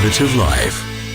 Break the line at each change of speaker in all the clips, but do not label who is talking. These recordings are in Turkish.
Innovative Life.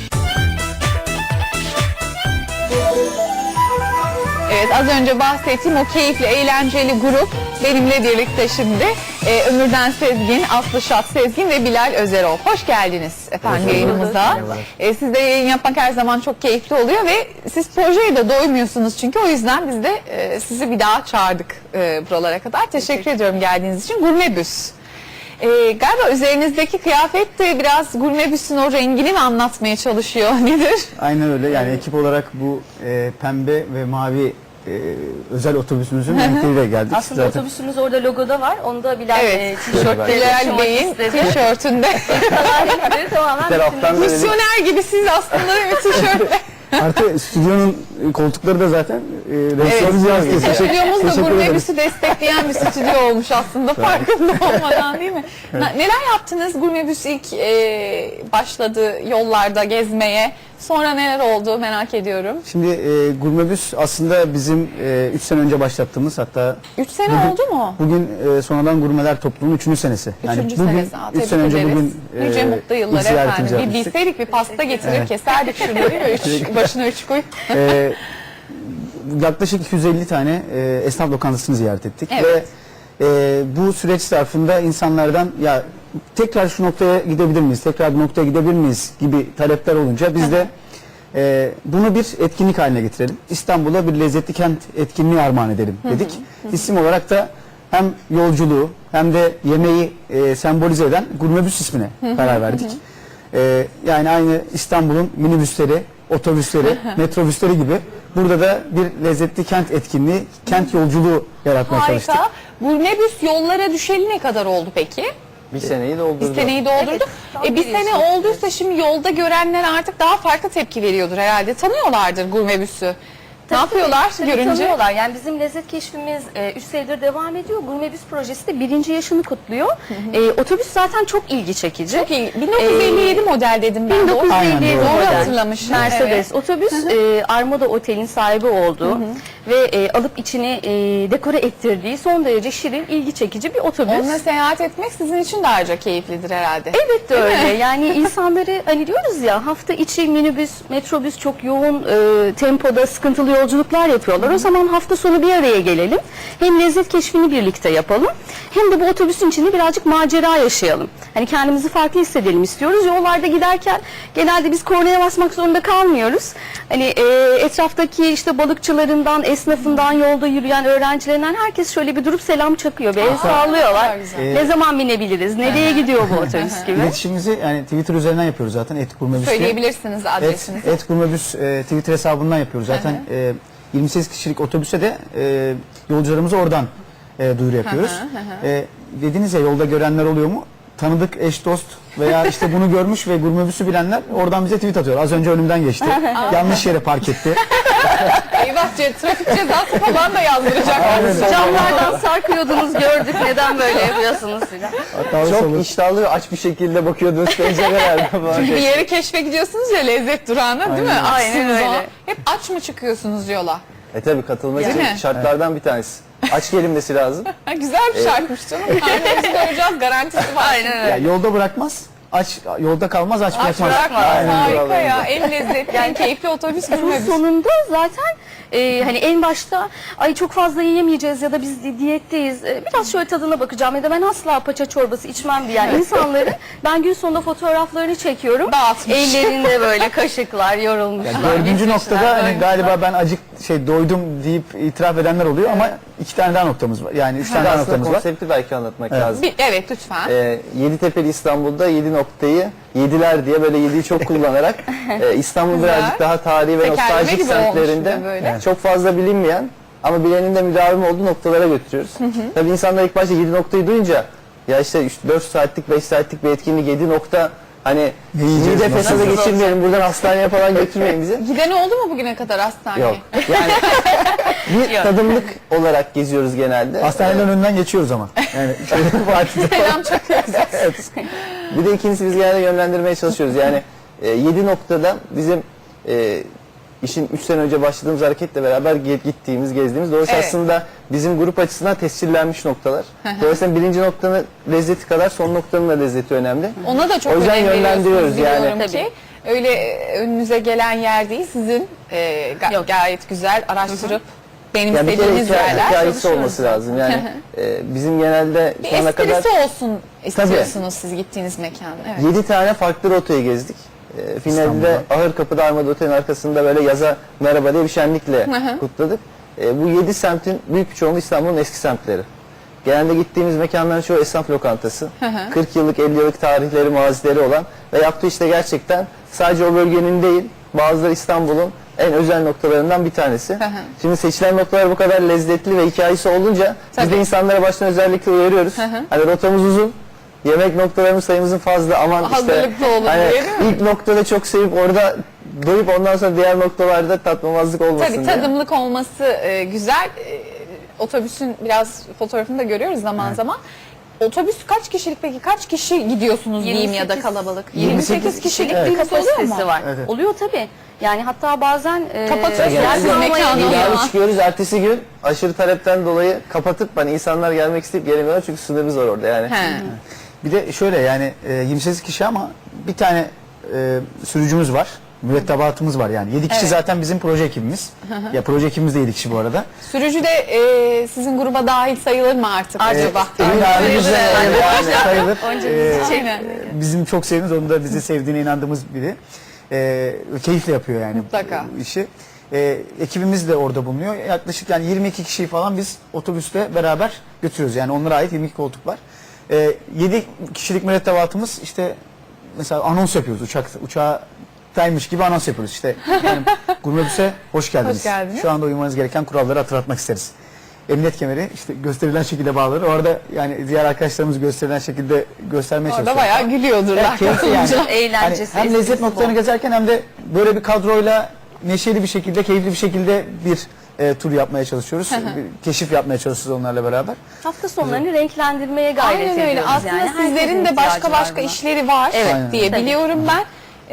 Evet, az önce bahsettiğim o keyifli, eğlenceli grup benimle birlikte şimdi. Ömürden Sezgin, Aslı Şat Sezgin ve Bilal Özerol. Hoş geldiniz efendim yayınımıza. Sizde yayın yapmak her zaman çok keyifli oluyor ve siz projeye de doymuyorsunuz çünkü o yüzden biz de sizi bir daha çağırdık buralara kadar. Teşekkür ediyorum geldiğiniz için. Gurmebüs. Galiba üzerinizdeki kıyafet de biraz Gurmebüs'ün o rengini mi anlatmaya çalışıyor? Nedir?
Aynen öyle. Yani ekip olarak bu pembe ve mavi özel otobüsümüzün renkleriyle geldik.
Aslında
zaten
otobüsümüz orada logoda var. Onu da Bilal
Evet,
tişörtle
Bilal
taşımak
Bey'in
istedi.
tişörtünde.
Tamamen
taraftan böyle
Misyoner gibi siz aslında bir tişörtle.
artı stüdyonun koltukları da zaten renksiz yansıtıyor.
Stüdyomuz da
Teşekkür ederim.
Gurmebüs'ü destekleyen bir stüdyo olmuş aslında farkında olmadan, değil mi? Neler yaptınız? Gurmebüs ilk başladı yollarda gezmeye. Sonra neler oldu merak ediyorum.
Şimdi Gurmebüs aslında bizim 3 sene önce başlattığımız, hatta
3 sene oldu mu?
bugün sonradan Gurmeler Topluluğu'nun 3. senesi.
Üçüncü
bugün
senesi.
3 sene önce bugün
Nice mutlu yıllar
ilk ziyaretimizi
efendim. Bir
yapmıştık.
bilseydik bir pasta getirir keserdik şunları ve başına 3 koy.
Yaklaşık 250 tane esnaf lokantasını ziyaret ettik.
Evet.
Ve bu süreç zarfında insanlardan ya tekrar şu noktaya gidebilir miyiz, tekrar bu noktaya gidebilir miyiz gibi talepler olunca biz de bunu bir etkinlik haline getirelim. İstanbul'a bir lezzetli kent etkinliği armağan edelim dedik. İsim olarak da hem yolculuğu hem de yemeği sembolize eden Gurmebüs ismine karar verdik. Yani aynı İstanbul'un minibüsleri, otobüsleri, metrobüsleri gibi burada da bir lezzetli kent etkinliği, kent yolculuğu yaratmaya çalıştık.
Harika. Gurmebüs yollara düşeli ne kadar oldu peki?
Bir seneyi doldurdu.
Bir seneyi doldurdu.
Evet, tam
Bir
bir
sene
yaşım.
olduysa şimdi yolda görenler artık daha farklı tepki veriyordur herhalde. Tanıyorlardır Gurmebüs'ü. Ne yapıyorlar
Tabii
görünce?
tanıyorlar. Yani bizim lezzet keşfimiz 3 senedir devam ediyor. Gurmebüs projesi de 1. yaşını kutluyor. Otobüs zaten çok ilgi çekici.
Çok iyi. 1957 model dedim ben.
1957
Aynen, doğru.
Doğru
model.
hatırlamışım.
Mercedes
Evet.
otobüs Armada Otel'in sahibi olduğu ve alıp içini dekore ettirdiği son derece şirin, ilgi çekici bir otobüs.
Onunla seyahat etmek sizin için de ayrıca keyiflidir herhalde.
Elbette öyle. Yani insanları hani diyoruz ya, hafta içi minibüs, metrobüs çok yoğun tempoda sıkıntılı yolculuklar yapıyorlar. O zaman hafta sonu bir araya gelelim. Hem lezzet keşfini birlikte yapalım. Hem de bu otobüsün içinde birazcık macera yaşayalım. Hani kendimizi farklı hissedelim istiyoruz. Yollarda giderken genelde biz kornaya basmak zorunda kalmıyoruz. Hani etraftaki işte balıkçılarından, esnafından, yolda yürüyen öğrencilerinden herkes şöyle bir durup selam çakıyor. Bir el sallıyorlar.
güzel.
Ne zaman binebiliriz? Nereye gidiyor bu otobüs gibi?
İletişimimizi yani Twitter üzerinden yapıyoruz zaten, @Gurmebüs diye.
Söyleyebilirsiniz adresinizi.
@Gurmebüs Twitter hesabından yapıyoruz zaten. 28 kişilik otobüse de yolcularımıza oradan duyuru yapıyoruz. Dediniz ya, yolda görenler oluyor mu? Tanıdık eş dost veya işte bunu görmüş ve Gurmebüs'ü bilenler oradan bize tweet atıyor. Az önce önümden geçti. Yanlış yere park etti.
Eyvah, trafik cezası falan da yazdıracaklar.
Camlardan sarkıyordunuz, gördük. Neden böyle yapıyorsunuz filan.
Hatta
Çok iştahlı ve aç bir şekilde bakıyordunuz pencerelerde falan.
Çünkü bir yere keşfe gidiyorsunuz ya, lezzet durağına, değil mi?
Aynen
Açsınız
öyle.
o. Hep aç mı çıkıyorsunuz yola?
Tabii katılmak
Değil
için
mi?
şartlardan bir tanesi. Aç gelinmesi lazım.
Ha, güzel bir şarkıymış canım. Karnımızı doyuracağız, garantisi var.
Aynen öyle.
ya yolda bırakmaz, yolda kalmaz, aç
Aç
bırakmaz.
bırakmaz.
Aynen.
Harika ya. En lezzetli, en keyifli otobüs
Bunun
Gurmebüs.
sonunda zaten hani en başta ay çok fazla yiyemeyeceğiz ya da biz diyetteyiz. Biraz şöyle tadına bakacağım ya da ben asla paça çorbası içmem diyen insanları ben gün sonunda fotoğraflarını çekiyorum.
Dağıtmış.
Ellerinde böyle kaşıklar yorulmuşlar.
Ya dördüncü
gitmişler,
noktada hani
böyle.
galiba ben doydum deyip itiraf edenler oluyor ama 2 tane daha noktamız var. Yani 3 tane daha
Aslında
noktamız var.
konsepti belki anlatmak lazım.
Evet, lütfen.
Yeditepe'li İstanbul'da 7 noktayı yediler diye böyle 7'yi çok kullanarak İstanbul
Güzel.
birazcık daha tarihi ve
Tekerleme
nostaljik
gibi olmuş
semtlerinde
bir de böyle.
çok fazla bilinmeyen ama bilenin de müdavim olduğu noktalara götürüyoruz. Tabii insanlar ilk başta 7 noktayı duyunca ya işte 4 saatlik 5 saatlik bir etkinlik 7 nokta, hani
yiyeceğiz,
mide
nasıl
fesadı
olacak?
geçirmeyelim, buradan hastaneye falan götürmeyin bizi.
Giden oldu mu bugüne kadar hastaneye?
Yok. Yani bir tadımlık olarak geziyoruz genelde.
Hastaneden önünden geçiyoruz ama. Yani şöyle bir
Selam çakıyoruz.
Bir de ikincisi biz genelde yönlendirmeye çalışıyoruz. Yani 7 noktada bizim işin 3 sene önce başladığımız hareketle beraber gittiğimiz, gezdiğimiz. Dolayısıyla
Evet.
aslında bizim grup açısından tescillenmiş noktalar. Dolayısıyla birinci noktanın lezzeti kadar son noktanın da lezzeti önemli.
Ona da çok
O yüzden
önem
yönlendiriyoruz
veriyorsunuz
yani.
biliyorum ki. Öyle önünüze gelen yer değil, sizin gayet güzel araştırıp
Yani bir kere
benimsediğiniz yerler.
hikayesi olması lazım. Yani bizim genelde
Bir
şu ana kadar
esprisi olsun istiyorsunuz siz gittiğiniz mekanda. Evet.
7 tane farklı rotayı gezdik. Finalde
İstanbul'da.
Ahırkapı'da Armada Otel'in arkasında böyle yaza merhaba diye bir şenlikle kutladık. Bu 7 semtin büyük bir çoğunluğu İstanbul'un eski semtleri. Genelde gittiğimiz mekanların çoğu esnaf lokantası. 40 yıllık, 50 yıllık tarihleri, mazileri olan ve yaptığı işte gerçekten sadece o bölgenin değil, bazıları İstanbul'un en özel noktalarından bir tanesi. Şimdi seçilen noktalar bu kadar lezzetli ve hikayesi olunca biz
Tabii.
de insanlara baştan özellikle uyarıyoruz. Hani rotamız uzun, yemek noktalarımız sayımızın fazla, aman işte
Hazırlıklı olun
hani
diye, değil mi?
ilk noktada çok sevip orada doyup ondan sonra diğer noktalarda tatmamazlık olmasın
Tabii
diye.
tadımlık olması güzel. Otobüsün biraz fotoğrafını da görüyoruz zaman zaman. Otobüs kaç kişilik peki? Kaç kişi gidiyorsunuz diyeyim ya da
28
kalabalık? 28 kişilik
Evet.
bir kapı oluyor
kapasitesi
mu?
var.
Evet.
Oluyor tabii. Yani hatta bazen
Kapatıyorsunuz
yer
Genelde
mekanı
kalmayabiliyor.
ama.
bir çıkıyoruz ertesi gün aşırı talepten dolayı kapatıp hani insanlar gelmek isteyip gelemiyorlar çünkü sınırımız var orada yani.
He.
Bir de şöyle yani 28 kişi ama bir tane sürücümüz var. Mürettebatımız var yani. 7 kişi
Evet.
zaten bizim proje ekibimiz. Ya proje ekibimiz de 7 kişi bu arada.
Sürücü de sizin gruba dahil sayılır mı artık acaba?
Emin abimiz de
sayılır.
yani sayılır.
Aynen.
Bizim çok sevdiğimiz, onun da bizi sevdiğine inandığımız biri. Keyifle yapıyor yani
Mutlaka.
bu işi. Ekibimiz de orada bulunuyor. Yaklaşık yani 22 kişiyi falan biz otobüste beraber götürüyoruz. Yani onlara ait 22 koltuk var. 7 kişilik mürettebatımız işte mesela anons yapıyoruz uçaktaymış gibi anons yapıyoruz. İşte yani, Gurmebüs'e hoş geldiniz.
Hoş geldiniz.
Şu anda uymanız gereken kuralları hatırlatmak isteriz. Emniyet kemeri işte gösterilen şekilde bağlanır. Orada yani diğer arkadaşlarımız gösterilen şekilde göstermeye
Orada
çalışıyorlar.
bayağı gülüyordurlar.
Evet, keyifli yani.
Eğlencesi,
Hani hem lezzet
esprisi
noktalarını
bol.
gezerken hem de böyle bir kadroyla neşeli bir şekilde, keyifli bir şekilde bir tur yapmaya çalışıyoruz. Bir keşif yapmaya çalışıyoruz onlarla beraber.
Hafta sonlarını renklendirmeye gayret
Aynen
ediyoruz.
öyle. Aslında
yani.
sizlerin
Herkesin
de başka
ihtiyacı var
başka
buna.
işleri var
Evet.
diye
Tabii.
biliyorum ben.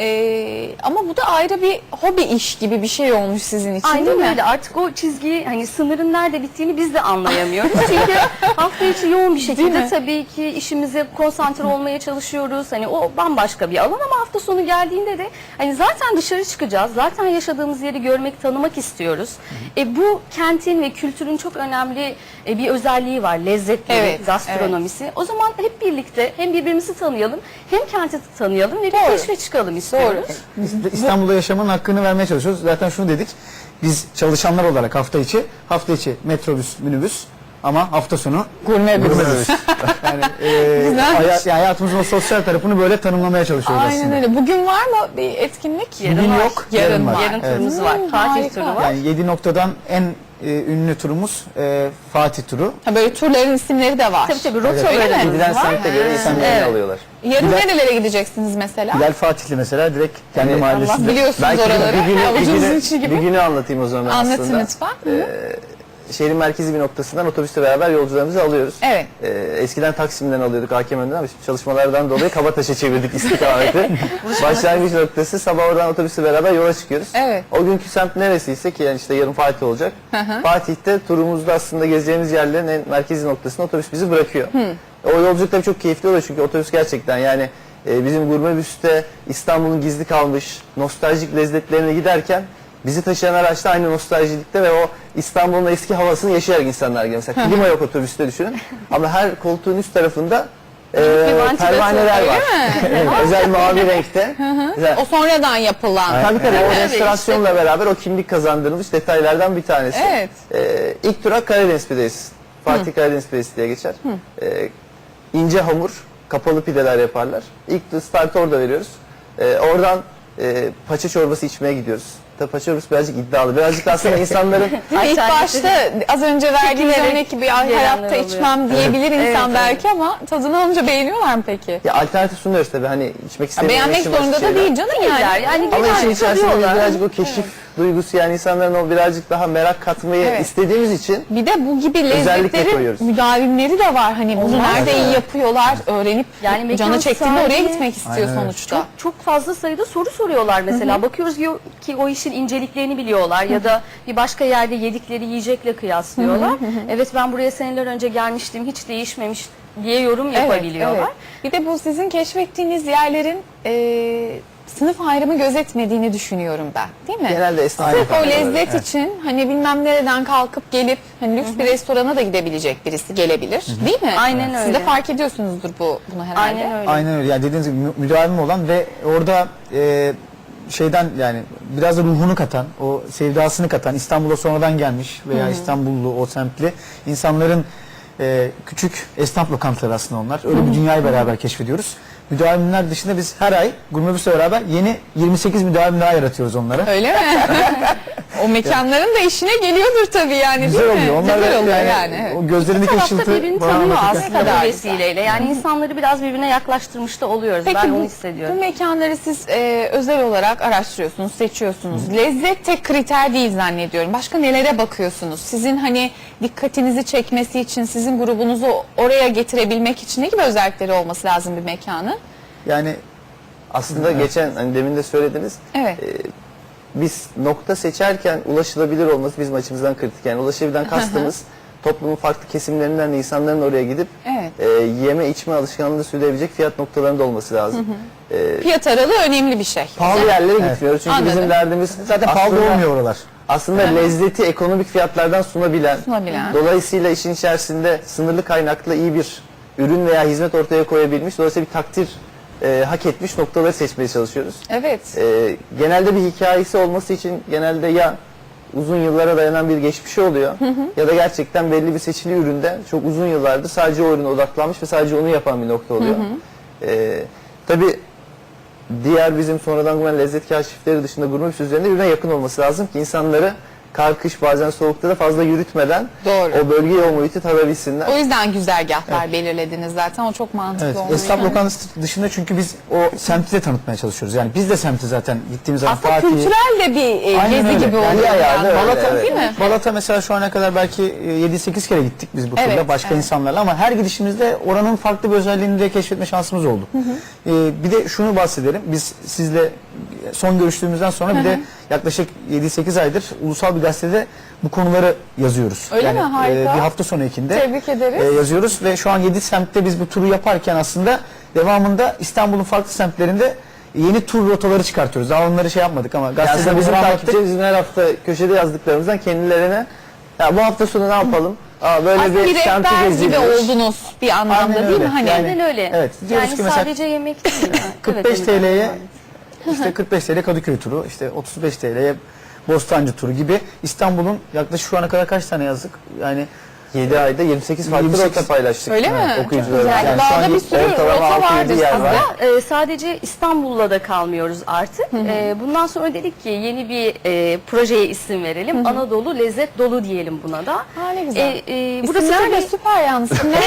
Ama bu da ayrı bir hobi iş gibi bir şey olmuş sizin için değil
Aynen
mi?
öyle. Artık o çizgiyi hani sınırın nerede bittiğini biz de anlayamıyoruz. Çünkü hafta içi yoğun bir
Değil
şekilde
mi?
tabii ki işimize konsantre olmaya çalışıyoruz. Hani o bambaşka bir alan ama hafta sonu geldiğinde de hani zaten dışarı çıkacağız. Zaten yaşadığımız yeri görmek, tanımak istiyoruz. Bu kentin ve kültürün çok önemli bir özelliği var. Lezzetleri,
Evet,
gastronomisi. O zaman hep birlikte hem birbirimizi tanıyalım, hem kenti tanıyalım ve bir
Doğru.
keşfe çıkalım istiyoruz.
İstanbul'da yaşamanın hakkını vermeye çalışıyoruz. Zaten şunu dedik. Biz çalışanlar olarak hafta içi metrobüs, minibüs ama hafta sonu
Gurmebüs.
yani,
Güzelmiş.
yani hayatımızın o sosyal tarafını böyle tanımlamaya çalışıyoruz
Aynen
aslında.
öyle. Bugün var mı bir etkinlik?
Bugün yok, yarın var.
Yarın
Evet.
turumuz var. Fatih
Harika.
turu var.
Yani 7 noktadan en ünlü turumuz Fatih turu.
Ha, böyle turların isimleri de var.
Tabii
Öyle mi?
rotalarımız
Gidilen
var.
semte göre isimlerini
Evet.
alıyorlar.
Yarın
Bilal-
nerelere gideceksiniz mesela?
Bilal Fatihli mesela direkt kendi
Yani
Allah
mahallesinde.
biliyorsunuz
Belki
oraları. Avucunuzun içi
bir
gibi.
günü anlatayım o zaman ben
Anlatın
aslında.
lütfen.
Şehrin merkezi bir noktasından otobüsle beraber yolcularımızı alıyoruz.
Evet.
Eskiden Taksim'den alıyorduk hakem önünden ama şimdi çalışmalardan dolayı Kabataş'a çevirdik istikameti. Başlangıç noktası sabah oradan otobüsle beraber yola çıkıyoruz.
Evet.
O günkü semt neresiyse ki yani işte yarın Fatih olacak. Fatih'te turumuzda aslında gezeceğimiz yerlerin en merkezi noktasında otobüs bizi bırakıyor. O yolculuk tabii çok keyifli oluyor çünkü otobüs gerçekten yani bizim Gurmebüs'te İstanbul'un gizli kalmış nostaljik lezzetlerine giderken bizi taşıyan araçta aynı nostaljilikte ve o İstanbul'un eski havasını yaşayarak insanlar geliyor. Mesela klima yok otobüste düşünün ama her koltuğun üst tarafında pervaneler var. Özel mavi renkte. Mesela,
O sonradan yapılan.
tabii tabii o
Evet,
restorasyonla beraber o kimlik kazandırılmış detaylardan bir tanesi.
Evet.
İlk durak Karadeniz pidesi. Fatih Karadeniz pidesi diye geçer. İnce hamur, kapalı pideler yaparlar. İlk startı orada veriyoruz. Oradan paça çorbası içmeye gidiyoruz. Tabii paça çorbası birazcık iddialı. Birazcık aslında insanların
İlk başta az önce verdiğiniz
Çekinerek
örnek gibi
gelenler
hayatta
oluyor.
içmem diyebilir insan belki ama tadını alınca beğeniyorlar mı peki?
ya alternatif sunuyoruz tabii hani içmek
Ya
istemeyen
beğenmek
işin basit
zorunda da
şeyler.
değil canım yani.
Yani
Ama işin
genelde
içerisinde
tadıyorlar.
birazcık o keşif duygusu, yani insanların o birazcık daha merak katmayı
Evet.
istediğimiz için
Bir de bu gibi
Özellikle
lezzetlerin
koyuyoruz.
müdavimleri de var. Hani bunu nerede iyi yapıyorlar, öğrenip
Yani mekan
canı çektiğinde oraya
sahibi-
gitmek istiyor
Aynen öyle.
sonuçta.
Çok fazla sayıda soru soruyorlar mesela. Bakıyoruz ki o işin inceliklerini biliyorlar ya da bir başka yerde yedikleri yiyecekle kıyaslıyorlar. Evet, ben buraya seneler önce gelmiştim, hiç değişmemiş diye yorum yapabiliyorlar.
Evet. Bir de bu sizin keşfettiğiniz yerlerin sınıf ayrımı gözetmediğini düşünüyorum ben. Değil mi?
genelde esnaf
Sırf o
lokantaları,
lezzet
evet.
için hani bilmem nereden kalkıp gelip hani lüks bir restorana da gidebilecek birisi gelebilir. Değil mi?
Aynen
Siz
öyle.
de fark ediyorsunuzdur bunu herhalde.
Aynen öyle.
Aynen öyle. Yani dediğiniz gibi müdavim olan ve orada şeyden, yani biraz da ruhunu katan, o sevdasını katan, İstanbul'a sonradan gelmiş veya İstanbullu, o semtli insanların küçük esnaf lokantaları aslında onlar. Öyle bir dünyayı beraber keşfediyoruz. Müdavimler dışında biz her ay Gurmebüs'le beraber yeni 28 müdavim daha yaratıyoruz onlara.
Öyle mi? O mekanların da işine geliyordur tabii yani,
Güzel
değil mi?
oluyor. Onlar
Güzel
da
oluyor
yani,
evet.
o gözlerindeki
tarafta
ışıltı
birbirini
bana
tanıyor
hakikaten-
aslında
kadar
bu vesileyle. Yani insanları biraz birbirine yaklaştırmış da oluyoruz.
Peki
ben onu
bu
hissediyorum.
mekanları siz özel olarak araştırıyorsunuz, seçiyorsunuz. Lezzet tek kriter değil zannediyorum. Başka nelere bakıyorsunuz? Sizin hani dikkatinizi çekmesi için, sizin grubunuzu oraya getirebilmek için ne gibi özellikleri olması lazım bir mekanın?
Yani
Aslında geçen hani demin de söylediniz.
Evet.
Biz nokta seçerken ulaşılabilir olması bizim açımızdan kritik. Yani ulaşabilen kastımız toplumun farklı kesimlerinden de insanların oraya gidip
Evet.
yeme içme alışkanlığı sürdürebilecek fiyat noktalarında olması lazım.
Fiyat aralığı önemli bir şey.
Pahalı yerlere gitmiyoruz çünkü
Anladım.
bizim derdimiz
zaten pahalı
aslında-
olmuyor oralar.
Aslında lezzeti ekonomik fiyatlardan sunabilen, dolayısıyla işin içerisinde sınırlı kaynakla iyi bir ürün veya hizmet ortaya koyabilmiş, dolayısıyla bir takdir hak etmiş noktaları seçmeye çalışıyoruz.
Evet.
Genelde bir hikayesi olması için genelde ya uzun yıllara dayanan bir geçmişi oluyor ya da gerçekten belli bir seçili üründe çok uzun yıllardır sadece o ürüne odaklanmış ve sadece onu yapan bir nokta oluyor. Tabii diğer bizim sonradan gelen lezzet keşifleri dışında Gurmebüs üzerinde birbirine yakın olması lazım ki insanları kar, kış, bazen soğukta da fazla yürütmeden
Doğru.
o bölgeyi, o muhiti tadabilsinler.
O yüzden güzergahlar belirlediniz zaten. O çok mantıklı
Evet,
olmuş.
esnaf lokantası dışında çünkü biz o semti de tanıtmaya çalışıyoruz. Yani biz de semti zaten gittiğimiz zaman
Aslında kültürel de bir
Aynen
gezi
öyle.
gibi
Yani
oluyor.
bir ayağı da
yani.
öyle,
Balat'a
evet.
değil mi?
Balat'a mesela şu ana kadar belki 7-8 kere gittik biz bu turda
Evet,
başka
evet.
insanlarla, ama her gidişimizde oranın farklı bir özelliğini de keşfetme şansımız oldu. Bir de şunu bahsedelim. Biz sizle son görüştüğümüzden sonra bir de yaklaşık 7-8 aydır ulusal bir gazetede bu konuları yazıyoruz.
Öyle mi? Harika.
Bir hafta sonu ekinde
Tebrik ederiz.
yazıyoruz ve şu an 7 semtte biz bu turu yaparken aslında devamında İstanbul'un farklı semtlerinde yeni tur rotaları çıkartıyoruz. Daha onları şey yapmadık ama
Yani
gazetede
aslında bizim
bunları
takipçilerimizin her hafta köşede yazdıklarımızdan kendilerine ya bu hafta sonu ne yapalım? Böyle
Aslında bir
semti
rehber gibi
geziyoruz.
oldunuz bir anlamda
Aynen
değil
öyle.
mi? Hani
Yani-
Aynen öyle.
Evet, diyoruz
Yani
ki mesela
sadece yemek değil.
45
Evet,
TL'ye işte 45 TL Kadıköy turu, işte 35 TL'ye Bostancı turu gibi İstanbul'un yaklaşık şu ana kadar kaç tane yazdık? Yani
7 ayda 28 farklı
28
rota paylaştık.
Öyle mi?
Okuyucularımızla.
Yani
Yani
daha
şu
da
an
bir sürü
ortalama
rota
6-7
vardır
yer var.
sizde.
Sadece İstanbul'la da kalmıyoruz artık. Bundan sonra dedik ki yeni bir projeye isim verelim. Anadolu Lezzet Dolu diyelim buna da.
Ha, ne güzel.
Burası
İsimler de
tabii
süper yalnız. İsimler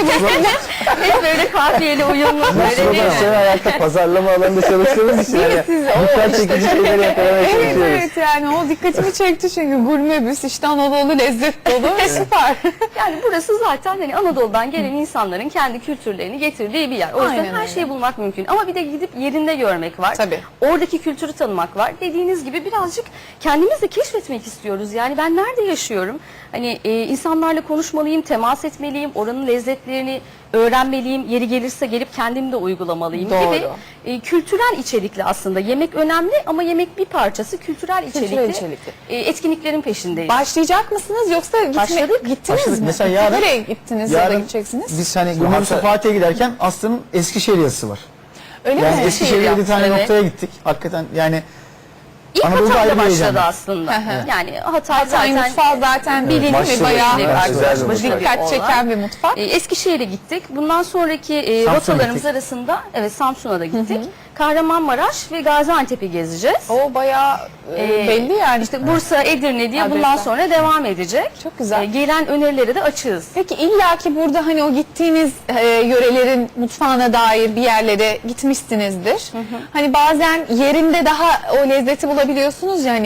hep böyle kafiyeli uyumlu. Böyle
Slogan
değil mi?
seven ayakta pazarlama alanında çalıştığımız için yani
siz
dikkat çekici şeyleri yakalamaya
Evet
çalışıyoruz.
evet, yani o dikkatimi çekti çünkü Gurmebüs işte Anadolu lezzet dolu ve süper.
Yani burası zaten hani Anadolu'dan gelen insanların kendi kültürlerini getirdiği bir yer. O yüzden
Aynen
her
öyle.
şeyi bulmak mümkün. Ama bir de gidip yerinde görmek var.
Tabii.
Oradaki kültürü tanımak var. Dediğiniz gibi birazcık kendimiz de keşfetmek istiyoruz. Yani ben nerede yaşıyorum? Hani insanlarla konuşmalıyım, temas etmeliyim, oranın lezzetlerini öğrenmeliyim. Yeri gelirse gelip kendim de uygulamalıyım
Doğru.
gibi. Kültürel içerikli aslında. Yemek önemli ama yemek bir parçası. Kültürel içerikli,
içerikli.
etkinliklerin peşindeyiz.
Başlayacak mısınız yoksa
Başladık.
gittiniz
Başladık.
mi?
Mesela yarın-
Nereye gittiniz ya da
yarın
gideceksiniz?
biz hani Gurmebüs'e Fatih'e giderken Aslı'nın Eskişehir yazısı var.
Öyle
Yani
mi?
Eskişehir'de bir tane
Evet.
noktaya gittik. Hakikaten yani
İlk
Anadolu'da
Hatay'da
ayrı bir heyecan
başladı
var.
aslında.
Hı hı.
Yani Hatay
Hatay
zaten
mutfağı zaten bilindik mi?
Başlı
Bayağı
başına güzel bir mutfak.
dikkat çeken bir mutfak.
Eskişehir'e gittik. Bundan sonraki
Samsun'a
rotalarımız
gittik.
arasında Samsun'a da gittik. Kahramanmaraş ve Gaziantep'i gezeceğiz.
O bayağı belli yani.
İşte Bursa, Edirne diye bundan
Adresler.
sonra devam edecek.
Çok güzel.
Gelen önerileri de açığız.
Peki illaki burada hani o gittiğiniz yörelerin mutfağına dair bir yerlere gitmişsinizdir. Hani bazen yerinde daha o lezzeti bulabiliyorsunuz ya, hani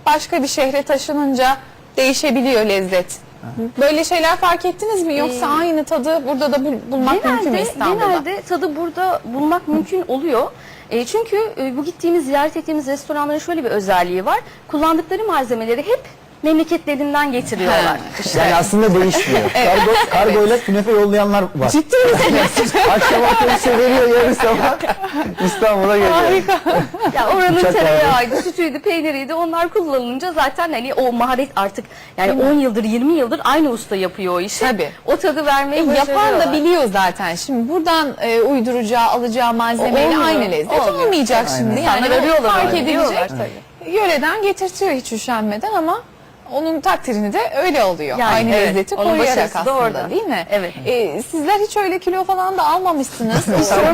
başka bir şehre taşınınca değişebiliyor lezzet. Böyle şeyler fark ettiniz mi? Yoksa aynı tadı burada da bulmak mümkün mü İstanbul'da?
Genelde tadı burada bulmak mümkün oluyor. Çünkü bu gittiğimiz, ziyaret ettiğimiz restoranların şöyle bir özelliği var. Kullandıkları malzemeleri hep memleketlerinden getiriyorlar.
Yani aslında değişmiyor. Kargoyla künefe yollayanlar var.
Ciddi misiniz?
Akşam otobüse veriyor, yarın sabah İstanbul'a geliyor.
Harika.
Ya oranın
Uçak
tereyağıydı, sütüydü, peyniriydi. Onlar kullanılınca zaten hani o maharet artık yani 10 yıldır, 20 yıldır aynı usta yapıyor o işi.
Tabii.
O tadı vermeyi
Yapan
başarıyorlar.
da biliyor zaten. Şimdi buradan uyduracağı, alacağı malzemeyle
Olmuyor.
aynı lezzet
Olmuyor.
olmayacak şimdi. Yani
İnsanlar arıyorlar,
fark
arıyorlar
edilecek. Yöreden getirtiyor hiç üşenmeden ama onun takdirini de öyle oluyor.
Yani
Aynı
evet,
lezzeti
onun
koruyarak
başarısı da
aslında
orada.
değil mi?
Evet.
Sizler hiç öyle kilo falan da almamışsınız.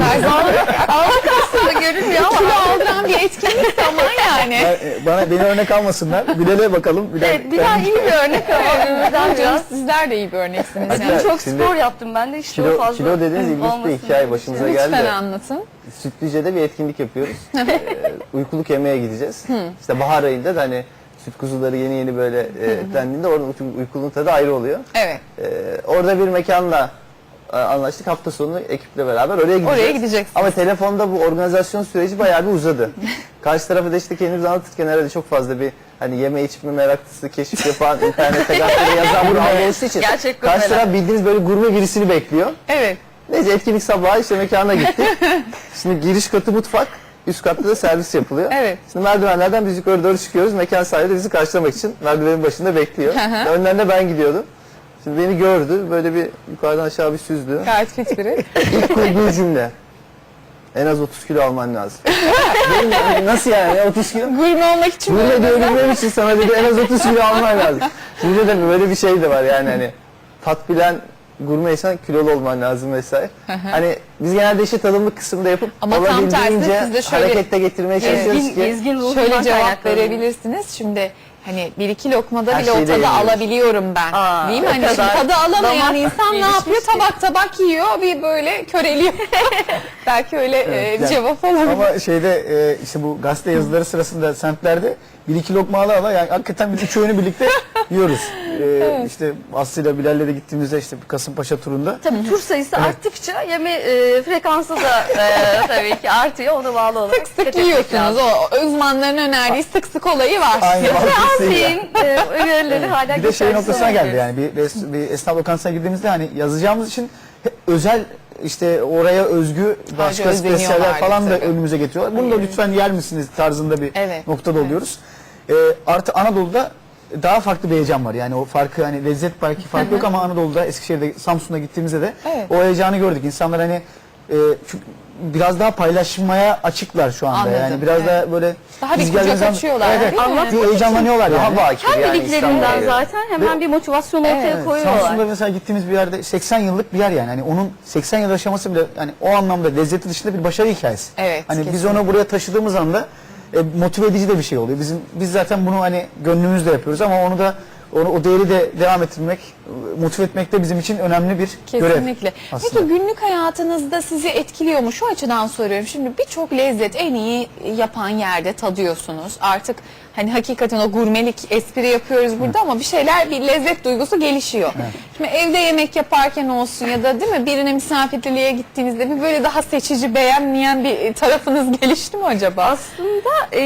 Aldık aslında görünmüyor ama.
Kilo aldıran bir etkinlik de ama yani.
Beni örnek almasınlar. Bilal'e bakalım. Bilal,
Evet, bir daha iyi bir örnek ama Ömür'den biraz.
Sizler de iyi bir örneksiniz.
Hatta
Yani.
Çok
şimdi
spor yaptım ben de işte o fazla.
Kilo dediğiniz ilginç bir
olmasın
hikaye
diye
başımıza geldi.
Lütfen
de.
anlatın.
Sütlüce'de bir etkinlik yapıyoruz. Uykuluk yemeğe gideceğiz. İşte bahar ayında da hani süt kuzuları yeni böyle etlendiğinde oranın uykulunun tadı ayrı oluyor.
Evet.
Orada bir mekanla anlaştık. Hafta sonu ekiple beraber oraya gideceğiz.
Oraya gideceksiniz.
Ama telefonda bu organizasyon süreci bayağı bir uzadı. Karşı tarafı da işte kendimizi anlatırken herhalde çok fazla bir hani yeme içme meraklısı, keşif yapan, internete gazetede yazan bir algı oluştuğu için
Gerçek
karşı
gurmeler.
taraf bildiğiniz böyle gurme birisini bekliyor.
Evet.
Neyse etkinlik sabahı işte mekana gittik. Şimdi giriş katı mutfak, üst katta da servis yapılıyor.
Evet.
Şimdi merdivenlerden biz yukarı doğru çıkıyoruz. Mekan sahibi de bizi karşılamak için merdivenin başında bekliyor.
hı.
Önden de ben gidiyordum. Şimdi beni gördü, böyle bir yukarıdan aşağı bir süzdü.
Gayet fit biri.
İlk kurduğu cümle. En az 30 kilo alman lazım. Benim, nasıl yani ya 30 kilo?
Gurme olmak için
Gurme
böyle
diyebilmem için sana dedi en az 30 kilo alman lazım. Şimdi de böyle bir şey de var yani hani tat bilen gurmeysen kilolu olman lazım vesaire. Hani biz genelde işi tadımlık kısımda yapıp
Ama tam tersi
olabildiğince
siz de şöyle
harekette getirmeye çalışıyoruz ki.
Ezgin ruhundan
şöyle cevap
kaynaklanıyor.
verebilirsiniz. Şimdi hani bir iki lokmada
Her
bile o
şeyi de
tadı
yemiyoruz.
alabiliyorum ben.
Aa,
değil mi?
o
Hani şimdi
kadar
tadı alamayan
damak
insan ne yapıyor?
gelişmiş ki.
Tabak tabak yiyor, bir böyle köreliyor. Belki öyle bir
yani-
cevap olabilir.
Ama şeyde işte bu gazete yazıları sırasında semtlerde bir iki lokma ala yani hakikaten biz üç öğünü birlikte yiyoruz. İşte Aslı'yla Bilal'le de gittiğimizde işte Kasımpaşa turunda.
Tabii tur sayısı arttıkça yeme frekansı da tabii ki artıyor. Ona bağlı olarak.
Sık sık yiyorsunuz. O uzmanların önerdiği sık sık olayı var.
Aynı
Ve
baskısıyla.
Azmin önerileri hala
Bir de şey
geçerli
noktasına geldi
olabilir.
yani bir esnaf lokantasına girdiğimizde hani yazacağımız için özel işte oraya özgü başka
özeniyorlardı
spesiyeller falan da
tabii.
önümüze getiriyorlar. Bunu da lütfen yer misiniz tarzında bir
Evet,
noktada oluyoruz. Artı Anadolu'da daha farklı bir heyecan var. Yani o farkı hani lezzet belki farkı yok ama Anadolu'da, Eskişehir'de, Samsun'da gittiğimizde de
Evet.
o heyecanı gördük. İnsanlar hani çünkü biraz daha paylaşmaya açıklar şu anda.
Anladım,
Yani biraz
evet.
daha böyle
Daha bir
biz
kucak
geldiğimiz zaman-
açıyorlar,
Evet,
değil mi?
evet. Bir heyecanlanıyorlar yani.
Daha bakir
Her
yani
bildiklerinden
İstanbul'a.
zaten hemen bir motivasyon ortaya
Evet,
koyuyorlar.
Samsun'da mesela gittiğimiz bir yerde 80 yıllık bir yer yani. Hani onun 80 yıl aşaması bile yani o anlamda lezzeti dışında bir başarı hikayesi.
Evet,
Hani biz
kesinlikle.
onu buraya taşıdığımız anda motive edici de bir şey oluyor. Biz zaten bunu hani gönlümüzle yapıyoruz ama onu da o değeri de devam ettirmek, motive etmek de bizim için önemli bir görev.
Kesinlikle.
aslında.
Peki günlük hayatınızda sizi etkiliyor mu? Şu açıdan soruyorum. Şimdi birçok lezzet en iyi yapan yerde tadıyorsunuz. Artık hani hakikaten o gurmelik espri yapıyoruz burada ama bir şeyler, bir lezzet duygusu gelişiyor. Şimdi evde yemek yaparken olsun ya da değil mi birine misafirliğe gittiğinizde bir böyle daha seçici, beğenmeyen bir tarafınız gelişti mi acaba?
Aslında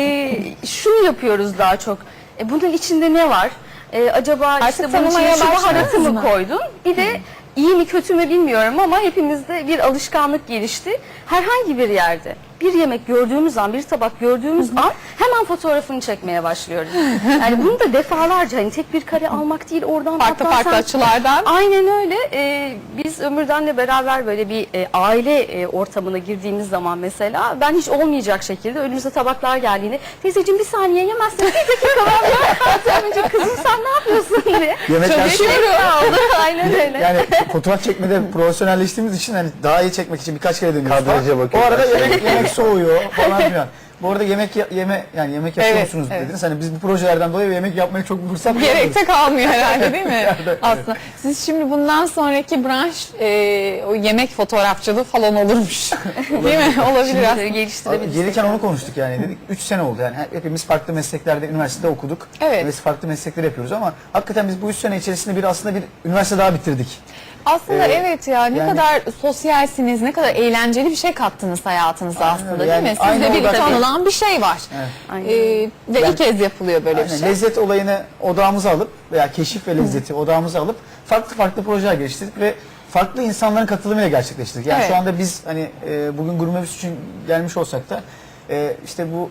şunu yapıyoruz daha çok. Bunun içinde ne var? Acaba
Artık
işte bunun
tanımaya
içine şu baharatı
başladınız
mı
mı?
koydun? Bir de iyi mi kötü mü bilmiyorum ama hepimizde bir alışkanlık gelişti. Herhangi bir yerde bir yemek gördüğümüz an, bir tabak gördüğümüz an hemen fotoğrafını çekmeye başlıyoruz. Yani bunu da defalarca hani tek bir kare almak değil oradan
Farklı
atlarsan-
farklı açılardan.
Aynen öyle. Biz Ömürden'le beraber böyle bir aile ortamına girdiğimiz zaman mesela ben hiç olmayacak şekilde önümüze tabaklar geldiğinde teyzeciğim bir saniye yemezsin bir dakika ben ya. Önce kızım sen ne yapıyorsun diye.
Yemekten
Çalışıyorum. Aynen öyle.
Yani fotoğraf çekmede profesyonelleştiğimiz için hani daha iyi çekmek için birkaç kere dönüyoruz.
Kadraja
falan. O
bakıyoruz.
arada yemek soğuyor falan filan. Bu arada yemek yapıyor
Evet,
musunuz
evet.
dediniz. Hani biz bu projelerden dolayı yemek yapmaya çok fırsat
Gerek
bulamıyoruz.
de kalmıyor herhalde değil mi?
Evet.
Aslında siz şimdi bundan sonraki branş o yemek fotoğrafçılığı falan olurmuş. Değil mi? Olabilir aslında.
Geliştirebiliriz.
Gelirken onu konuştuk yani dedik 3 sene oldu yani hepimiz farklı mesleklerde üniversitede okuduk.
Evet.
Biz farklı meslekler yapıyoruz ama hakikaten biz bu 3 sene içerisinde aslında bir üniversite daha bitirdik.
Aslında evet ya ne
yani-
kadar sosyalsiniz, ne kadar eğlenceli bir şey kattınız hayatınıza aslında
öyle.
değil
Yani
mi?
aynı
Sizde bir
orada-
tanınan bir şey var.
Evet.
Aynen.
Ve ilk kez yapılıyor böyle bir
Aynen,
şey.
lezzet olayını odağımıza alıp veya keşif ve lezzeti odağımıza alıp farklı projeler geliştirdik ve farklı insanların katılımıyla gerçekleştirdik. Yani
Evet.
şu anda biz hani bugün Gurmebüs için gelmiş olsak da işte bu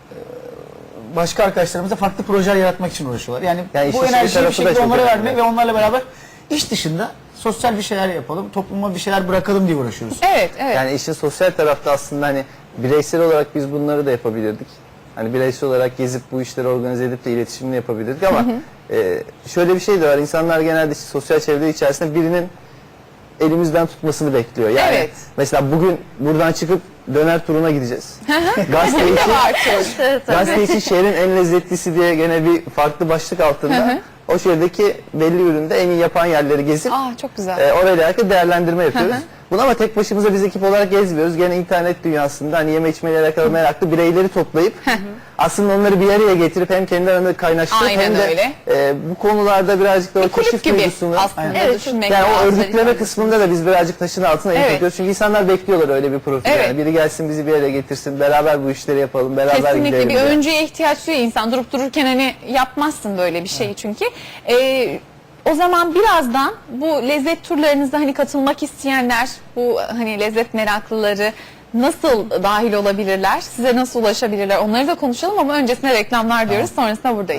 başka arkadaşlarımız da farklı projeler yaratmak için uğraşıyorlar. Yani,
Yani
bu
işin
enerjiyi bir
tarafı da
şekilde
çok
onlara
önemli.
vermek ve onlarla beraber iş dışında sosyal bir şeyler yapalım, topluma bir şeyler bırakalım diye uğraşıyoruz.
Evet, evet.
Yani işin sosyal tarafta aslında hani bireysel olarak biz bunları da yapabilirdik. Hani bireysel olarak gezip bu işleri organize edip de iletişimini yapabilirdik ama şöyle bir şey de var. İnsanlar genelde işte sosyal çevre içerisinde birinin elimizden tutmasını bekliyor. Yani
Evet.
mesela bugün buradan çıkıp döner turuna gideceğiz. Gazete
Ne
için,
var çok.
gazete için şehrin en lezzetlisi diye gene bir farklı başlık altında o şehirdeki belli üründe en iyi yapan yerleri gezip
Çok güzel.
orayla alakalı değerlendirme yapıyoruz. Bunu ama tek başımıza biz ekip olarak gezmiyoruz. Gene internet dünyasında hani yeme içmeyle alakalı meraklı bireyleri toplayıp aslında onları bir araya getirip hem kendi aralarında kaynaştırıp
Aynen
hem de
öyle.
Bu konularda birazcık da o
Bir kulüp
keşif
gibi
duygusunu
aslında
Evet,
düşünmek
yani o
lazım.
örgütleme kısmında da biz birazcık taşın altına
Evet.
yapıyoruz. Çünkü insanlar bekliyorlar öyle bir profil.
Evet.
Yani biri gelsin bizi bir araya getirsin, beraber bu işleri yapalım, beraber
Kesinlikle
gidelim.
bir
diye.
öncüye ihtiyaç duyuyor insan. Durup dururken hani yapmazsın böyle bir şeyi çünkü. O zaman birazdan bu lezzet turlarınıza hani katılmak isteyenler, bu hani lezzet meraklıları nasıl dahil olabilirler? Size nasıl ulaşabilirler? Onları da konuşalım ama öncesinde reklamlar diyoruz. Sonrasında buradayız.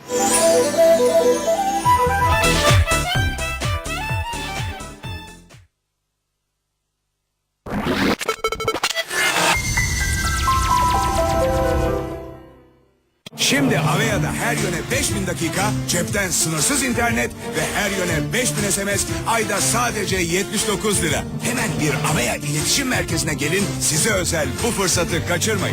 Şimdi Avea'da her yöne 5000 dakika, cepten sınırsız internet ve her yöne 5000 SMS, ayda sadece 79 lira. Hemen bir Avea iletişim merkezine gelin, size özel bu fırsatı kaçırmayın.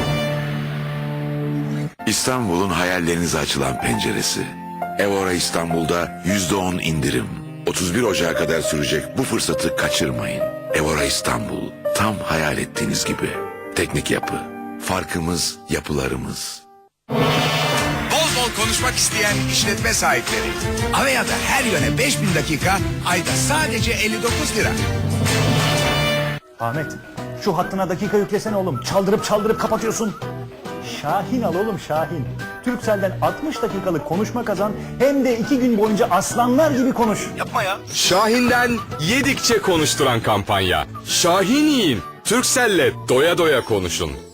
İstanbul'un hayallerinize açılan penceresi. Evora İstanbul'da %10 indirim. 31 Ocağı kadar sürecek bu fırsatı kaçırmayın. Evora İstanbul, tam hayal ettiğiniz gibi. Teknik yapı, farkımız yapılarımız.
Bol bol konuşmak isteyen işletme sahipleri. Avea'da her yöne 5000 dakika, ayda sadece 59 lira.
Ahmet, şu hattına dakika yüklesene oğlum. Çaldırıp kapatıyorsun. Şahin al oğlum Şahin. Turkcell'den 60 dakikalık konuşma kazan, hem de 2 gün boyunca aslanlar gibi konuş.
Yapma ya.
Şahin'den yedikçe konuşturan kampanya. Şahin yiyin, Turkcell'le doya doya konuşun.